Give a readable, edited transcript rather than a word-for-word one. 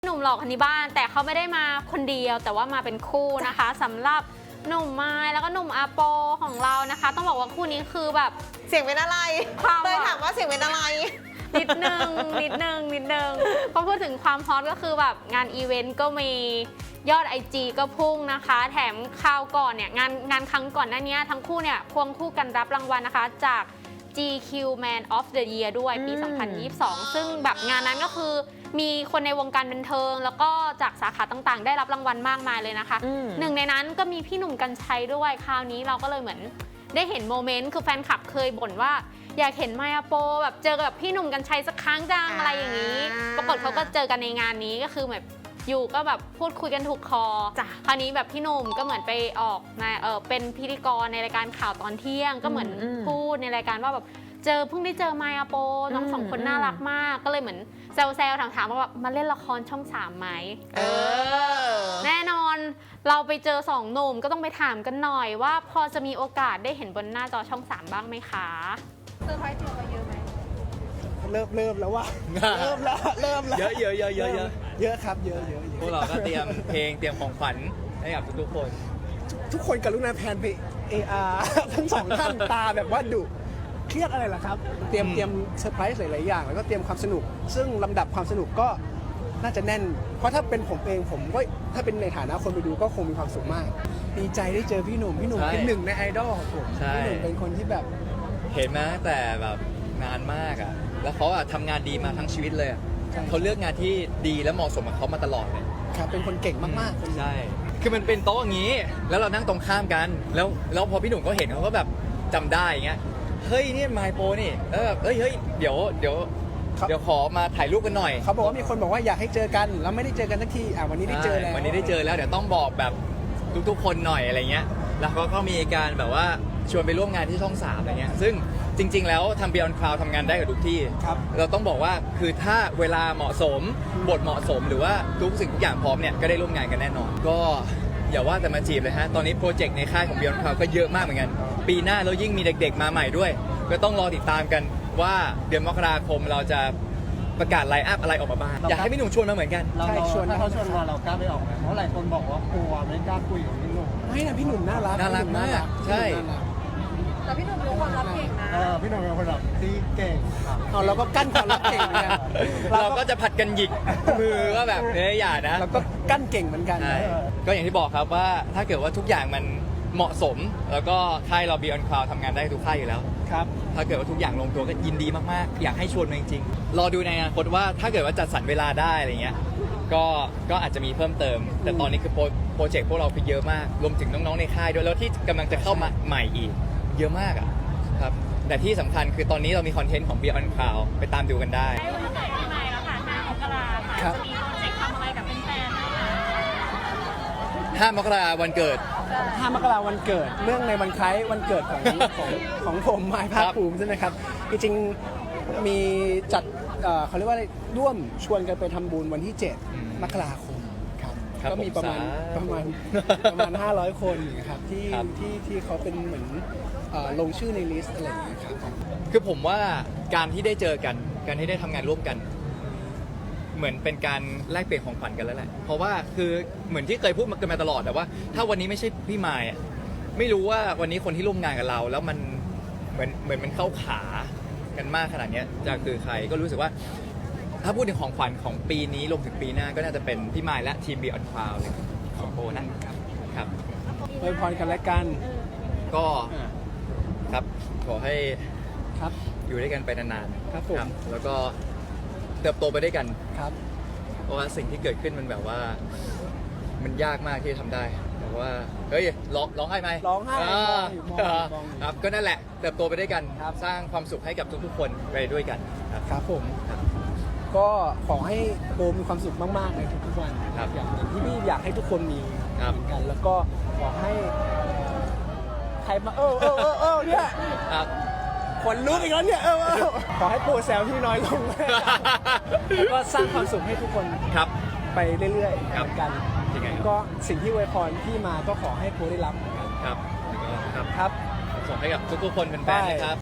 หนุ่มหล่อคนนี้บ้านแต่เขาไม่ได้มาคนเดียวแต่ว่ามาเป็นคู่นะคะสำหรับหนุ่มไม้แล้วก็หนุ่มอาโปของเรานะคะต้องบอกว่าคู่นี้คือแบบเสียงเป็นอะไรเลยถามว่าเสียงเป็นอะไรนิดนึงพอพูดถึงความฮอตก็คือแบบงานอีเวนต์ก็มียอด IG ก็พุ่งนะคะแถมคราวก่อนเนี่ยงานครั้งก่อนหน้านี้ทั้งคู่เนี่ยควงคู่กันรับรางวัลนะคะจาก GQ Man of the Year ด้วยปี 2022 ซึ่งแบบงานนั้นก็คือมีคนในวงการบันเทิงแล้วก็จากสาขาต่างๆได้รับรางวัลมากมายเลยนะคะหนึ่งในนั้นก็มีพี่หนุ่มกรรชัยด้วยคราวนี้เราก็เลยเหมือนได้เห็นโมเมนต์คือแฟนคลับเคยบ่นว่าอยากเห็นไมอาโปแบบเจอกับพี่หนุ่มกรรชัยสักครั้งจังอะไรอย่างนี้ปรากฏเขาก็เจอกันในงานนี้ก็คือแบบอยู่ก็แบบพูดคุยกันถูกคอคราวนี้แบบพี่หนุ่มก็เหมือนไปออกเป็นพิธีกรในรายการข่าวตอนเที่ยงก็เหมือนพูดในรายการว่าแบบเพิ่งได้เจอไมอาโปน้องสองคนน่ารักมากก็เลยเหมือนแซวถามว่าแบบมาเล่นละครช่อง 3ไหมแน่นอนเราไปเจอสองหนุ่มก็ต้องไปถามกันหน่อยว่าพอจะมีโอกาสได้เห็นบนหน้าจอช่อง 3บ้างไหมคะเซอร์ไพรส์ตัวเยอะไหมเริ่มแล้วว่าเริ่มแล้วเยอะเยอะครับเยอะพวกเราก็เตรียมเพลงเตรียมของขวัญให้กับทุกคนทุกคนกรุณาแพนไป AR ทั้งสองท่านตาแบบว่าดุเครียดอะไรล่ะครับเตรียมเซอร์ไพรส์หลายๆอย่างแล้วก็เตรียมความสนุกซึ่งลำดับความสนุกก็น่าจะแน่นเพราะถ้าเป็นผมเองผมก็ถ้าเป็นในฐานะคนไปดูก็คงมีความสุขมากดีใจได้เจอพี่หนุ่มเป็นหนึ่งในไอดอลของผมพี่หนุ่มเป็นคนที่แบบเห็นมาตั้งแต่แบบนานมากอ่ะแล้วเขาทำงานดีมาทั้งชีวิตเลยเขาเลือกงานที่ดีและเหมาะสมกับเขามาตลอดเลยครับเป็นคนเก่งมากๆใช่คือมันเป็นโต๊ะอย่างนี้แล้วเรานั่งตรงข้ามกันแล้วพอพี่หนุ่มเขาเห็นเขาก็แบบจำได้อย่างเงี้ยเฮ้ยนี่ไมโปนี่แล้วแบบเฮ้ยเดี๋ยวขอมาถ่ายรูปกันหน่อยเขาบอกว่ามีคนบอกว่าอยากให้เจอกันแล้วไม่ได้เจอกันสักทีวันนี้ได้เจอแล้ววันนี้ได้เจอแล้วเดี๋ยวต้องบอกแบบทุกคนหน่อยอะไรเงี้ยแล้วก็มีการแบบว่าชวนไปร่วมงานที่ช่อง 3อะไรเงี้ยซึ่งจริงๆแล้วทำ Beyond Cloud ทำงานได้กับทุกที่เราต้องบอกว่าคือถ้าเวลาเหมาะสมบทเหมาะสมหรือว่าทุกสิ่งทุกอย่างพร้อมเนี่ยก็ได้ร่วมงานกันแน่นอนก็อย่าว่าแต่มาจีบเลยฮะตอนนี้โปรเจกต์ในค่ายของ Beyond Cloud ก็เยอะมากเหมือนกันปีหน้าแล้วยิ่งมีเด็กๆมาใหม่ด้วยก็ต้องรอติดตามกันว่าเดือนมกราคมเราจะประกาศไลน์อัพอะไรออกมาบ้างอยากให้พี่หนุ่มชวนมาเหมือนกันใช่ชวนถ้าเขาชวนมาเรากล้าไปออกไหมเพราะหลายคนบอกว่ากลัวไม่กล้าคุยกับพี่หนุ่มไม่นะพี่หนุ่มน่ารักมากใช่แต่พี่หนุ่มรู้ความลับเก่งนะพี่หนุ่มเป็นคนแบบที่เก่งเราก็กั้นความลับเก่งเหมือนกันเราก็จะผัดกันหยิกมือก็แบบอย่านะเราก็กั้นเก่งเหมือนกันก็อย่างที่บอกครับว่าถ้าเกิดว่าทุกอย่างมันเหมาะสมแล้วก็ค่ายเรา Beyond Cloud ทำงานได้ทุกค่ายอยู่แล้วครับถ้าเกิดว่าทุกอย่างลงตัวก็ยินดีมากๆอยากให้ชวนมาจริงๆรอดูในอนาคตว่าถ้าเกิดว่าจัดสรรเวลาได้อะไรเงี้ยก็อาจจะมีเพิ่มเติมแต่ตอนนี้คือโปรเจกต์พวกเราคือเยอะมากรวมถึงน้องๆในค่ายด้วยแล้วที่กำลังจะเข้ามาใหม่อีกเยอะมากอ่ะครับแต่ที่สำคัญคือตอนนี้เรามีคอนเทนต์ของ Beyond Cloud ไปตามดูกันได้ได้วันเกิดปีใหม่แล้วค่ะ5 มกราคมค่ะจะมีโปรเจกต์ทำอะไรกับแฟนๆนะคะ 5 มกราคมวันเกิด 5 มกราคมวันเกิดเรื่องในวันคล้ายวันเกิดของผมไม้ภาคภูมิใช่ไหมครับจริงๆมีจัดเขาเรียกว่าอะไรร่วมชวนกันไปทำบุญวันที่7 มกราคมครับก็มีประมาณ500 คนครับที่เขาเป็นเหมือนลงชื่อในลิสต์อะไรอย่างเงี้ยครับคือผมว่าการที่ได้เจอกันการที่ได้ทำงานร่วมกันเหมือนเป็นการแลกเปลี่ยนของขวัญกันแล้วแหละเพราะว่าคือเหมือนที่เคยพูดกันมาตลอดแต่ว่าถ้าวันนี้ไม่ใช่พี่มายไม่รู้ว่าวันนี้คนที่ร่วมงานกับเราแล้วมันเหมือนมันเข้าขากันมากขนาดนี้จะคือใครก็รู้สึกว่าถ้าพูดถึงของขวัญของปีนี้รวมถึงปีหน้าก็น่าจะเป็นพี่มายและทีม Beyond Cloud เลยของโบนะครับอวยพรกันและกันก็ครับขอให้ครับอยู่ด้วยกันไปนานๆครับผมแล้วก็เติบโตไปด้วยกันครับเพราะว่าสิ่งที่เกิดขึ้นมันแบบว่ามันยากมากที่จะทำได้แต่ว่าเฮ้ยร้องไห้ไหมร้องไห้ครับก็นั่นแหละเติบโตไปด้วยกันสร้างความสุขให้กับทุกๆคนไปด้วยกันครับผมก็ขอให้โบมีความสุขมากๆในทุกๆวันอย่างที่พี่อยากให้ทุกคนมีเหมือนกันแล้วก็ขอให้ใครมาเนี่ยขนลุกอีกแล้วเนี่ยขอให้โปรแซลที่น้อยลงแล้วก็สร้างความสุขให้ทุกคนไปเรื่อยๆเหมือนกันก็สิ่งที่อวยพรที่มาก็ขอให้โปรได้รับเหมือนกันครับส่งให้กับทุกๆคนเป็นแฟนนะครับ